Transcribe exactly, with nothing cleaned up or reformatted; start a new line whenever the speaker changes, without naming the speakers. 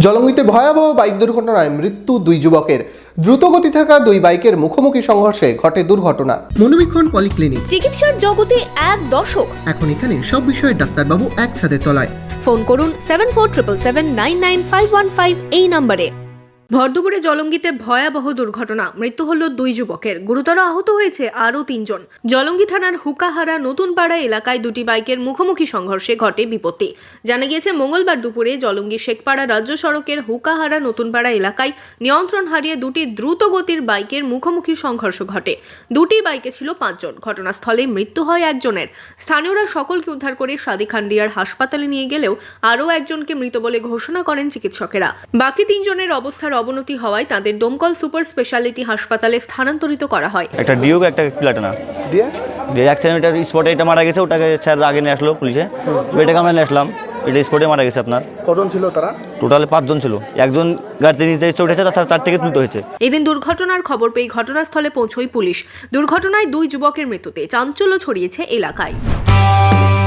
জলঙ্গিতে ভয়াবহ বাইক দুর্ঘটনায় মৃত্যু দুই যুবকের। দ্রুতগতি থাকা দুই বাইকের মুখোমুখি সংঘর্ষে ঘটে দুর্ঘটনা। মনোবীক্ষণ পলিক্লিনিক,
চিকিৎসার জগতে এক দশক।
এখন এখানে সব বিষয়ে ডাক্তারবাবু একসাথে তলায়।
ফোন করুন seven four triple seven nine nine five one five এই নম্বরে। ভরদুপুরে জলঙ্গিতে ভয়াবহ দুর্ঘটনা, মৃত্যু হল দুই যুবকের, গুরুতর আহত হয়েছে আরও তিনজন। জলঙ্গি থানার হুকাহারা নতুনপাড়া এলাকায় দুটি বাইকের মুখোমুখি সংঘর্ষে ঘটে বিপত্তি। জানা গিয়েছে মঙ্গলবার দুপুরে জলঙ্গি শেখপাড়া রাজ্য সড়কের হুকাহারা নতুনপাড়া এলাকায় নিয়ন্ত্রণ হারিয়ে দুটি দ্রুত গতির বাইকের মুখোমুখি সংঘর্ষ ঘটে। দুটি বাইকে ছিল পাঁচজন। ঘটনাস্থলে মৃত্যু হয় একজনের। স্থানীয়রা সকলকে উদ্ধার করে সাদিখান্দিয়ার হাসপাতালে নিয়ে গেলেও আরও একজনকে মৃত বলে ঘোষণা করেন চিকিৎসকেরা। বাকি তিনজনের অবস্থার অবনতি হওয়ায় তাদের দমকল সুপার স্পেশালিটি হাসপাতালে স্থানান্তরিত করা হয়।
একটা ডিউক একটা প্লাটিনা দিয়ে দিয়ে অ্যাক্সিডেন্টের স্পটে এটা মারা গেছে। ওটাকে স্যার আগে নিয়ে আসলো পুলিশে, এটাকে আমরা নিয়ে আসলাম। এটা স্পটে মারা গেছে। আপনার
কজন ছিল তারা? টোটাল
পাঁচজন ছিল। একজন গাড়িতে নিচে এসে উঠেছে, তার চার থেকে তুলতে হয়েছে।
এদিন দুর্ঘটনার খবর পেয়ে ঘটনাস্থলে পৌঁছয় পুলিশ। দুর্ঘটনায় দুই যুবকের মৃত্যুতে চাঞ্চল্য ছড়িয়েছে এলাকায়।